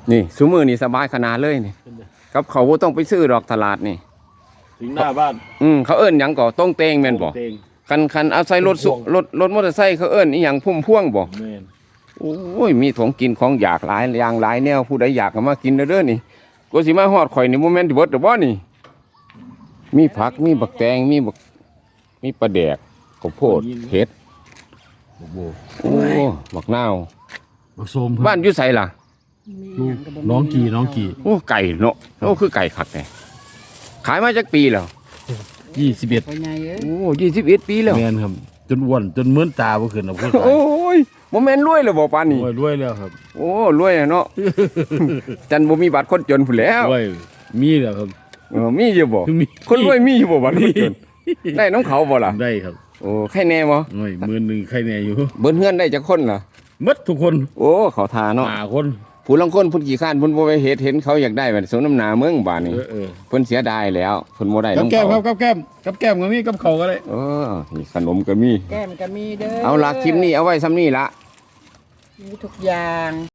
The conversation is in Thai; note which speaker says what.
Speaker 1: นี่ซุมื้อนี่สบายขนาดเลยนี่กับเขาบ่ต้องไปซื้อดอกตลาดนี่
Speaker 2: ถึงหน้าบ้าน
Speaker 1: เขาเอิ้นหยังก็ต้องเตงแม่นบ่
Speaker 2: เตง
Speaker 1: คันเอาใส่รถรถมอเตอร์ไซค์เขาเอิ้นอีหยังพุ่มพวงบ่
Speaker 2: แม่น
Speaker 1: โอ้ยมีของกินของอยากหลายอย่างหลายแนวผู้ใดอยากก็มากินเด้อนี่ก็สิมาฮอดข่อยนี่บ่แม่นสิเบิดดอกบ่นี่มีผักมีบักแตงมีปลาแดกข้าวโพดเห็ด
Speaker 2: โอ้โห
Speaker 1: โอ้บักนาว
Speaker 2: บักโซม
Speaker 1: บ้านอยู่ไสล่ะ
Speaker 2: ลูกน้องกี่
Speaker 1: โอ้ไก่เนาะโอ้คือไก่คักแท้ขายมาจักปีแล้ว
Speaker 2: 21
Speaker 3: พ่อใหญ่เอ้ย
Speaker 1: โอ้21ปีแล้ว
Speaker 2: แม่นครับจนอ้วนจนเหมือนตาบ่ขึ้นน่ะพูด
Speaker 1: โอ้ยบ่แม่นรวยแล้วบ่ปานนี้
Speaker 2: รวยแล้วครับ
Speaker 1: โอ้รวยอะเนาะ จันบ่มีบัตรคนจนพุ่นแล้ว
Speaker 2: รวยมีแล้วครับ
Speaker 1: มีอยู่บ่
Speaker 2: มี
Speaker 1: คนรวยมีอยู่บ่บัตรคนจนได้น้องเขาบ่ล่ะ
Speaker 2: ได้ครับ
Speaker 1: โอ้ใครแน่บ่
Speaker 2: หน่อยมื้อนึงใครแน่อยู่
Speaker 1: เบิ้นเฮือนได้จักคนล่ะ
Speaker 2: หมดทุกคน
Speaker 1: โอ้เขาทาเนาะ
Speaker 2: 5คน
Speaker 1: ผู้ลางคนเพิ่นขี้ข้านเพิ่นบ่ไปเฮ็ดเห็นเขาอยากได้บัดสมน้ำหน้าเมืองบาดนี้
Speaker 2: เออ
Speaker 1: เพิ่นเสียดายแล้วเพิ่นบ่ได้
Speaker 2: กับ
Speaker 1: น้อง
Speaker 2: แก้ม
Speaker 1: เขา
Speaker 2: ครับกับแก้มก็มีกับเขาก็ได้
Speaker 1: นี่ขนมก็มี
Speaker 3: แก้มก็มีเด้อ
Speaker 1: เอาล่ะคลิปนี้เอาไว้ซ้ำนี้ละ
Speaker 3: มีทุกอย่าง